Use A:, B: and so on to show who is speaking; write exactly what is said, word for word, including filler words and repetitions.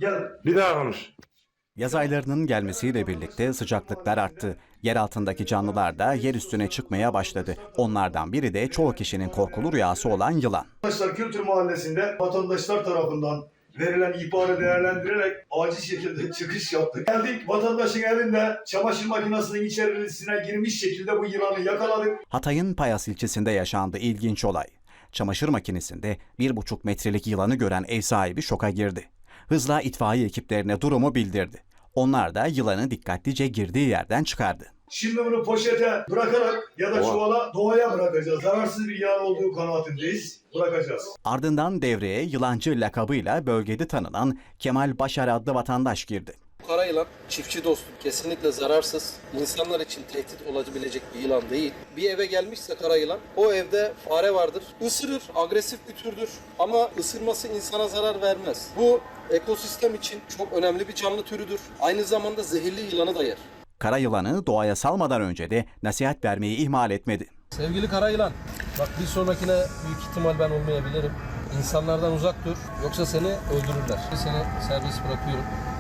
A: Gel.
B: Bir daha konuş.
C: Yaz aylarının gelmesiyle birlikte sıcaklıklar arttı. Yer altındaki canlılar da yer üstüne çıkmaya başladı. Onlardan biri de çoğu kişinin korkulu rüyası olan yılan.
A: Vatandaşlar Kültür Mahallesi'nde vatandaşlar tarafından verilen ihbarı değerlendirerek acil şekilde çıkış yaptık. Geldik, vatandaşın evinde çamaşır makinesinin içerisine girmiş şekilde bu yılanı yakaladık.
C: Hatay'ın Payas ilçesinde yaşandı ilginç olay. Çamaşır makinesinde bir buçuk metrelik yılanı gören ev sahibi şoka girdi. Hızla itfaiye ekiplerine durumu bildirdi. Onlar da yılanı dikkatlice girdiği yerden çıkardı.
A: Şimdi bunu poşete bırakarak ya da çuvala doğaya bırakacağız. Zararsız bir yılan olduğu kanaatindeyiz. Bırakacağız.
C: Ardından devreye yılancı lakabıyla bölgede tanınan Kemal Başar adlı vatandaş girdi.
D: Kara yılan çiftçi dostu, kesinlikle zararsız, insanlar için tehdit olabilecek bir yılan değil. Bir eve gelmişse kara yılan, o evde fare vardır, ısırır, agresif bir türdür ama ısırması insana zarar vermez. Bu ekosistem için çok önemli bir canlı türüdür. Aynı zamanda zehirli yılanı da yer.
C: Kara yılanı doğaya salmadan önce de nasihat vermeyi ihmal etmedi.
D: Sevgili kara yılan, bak bir sonrakine büyük ihtimal ben olmayabilirim. İnsanlardan uzak dur, yoksa seni öldürürler. Seni serbest bırakıyorum.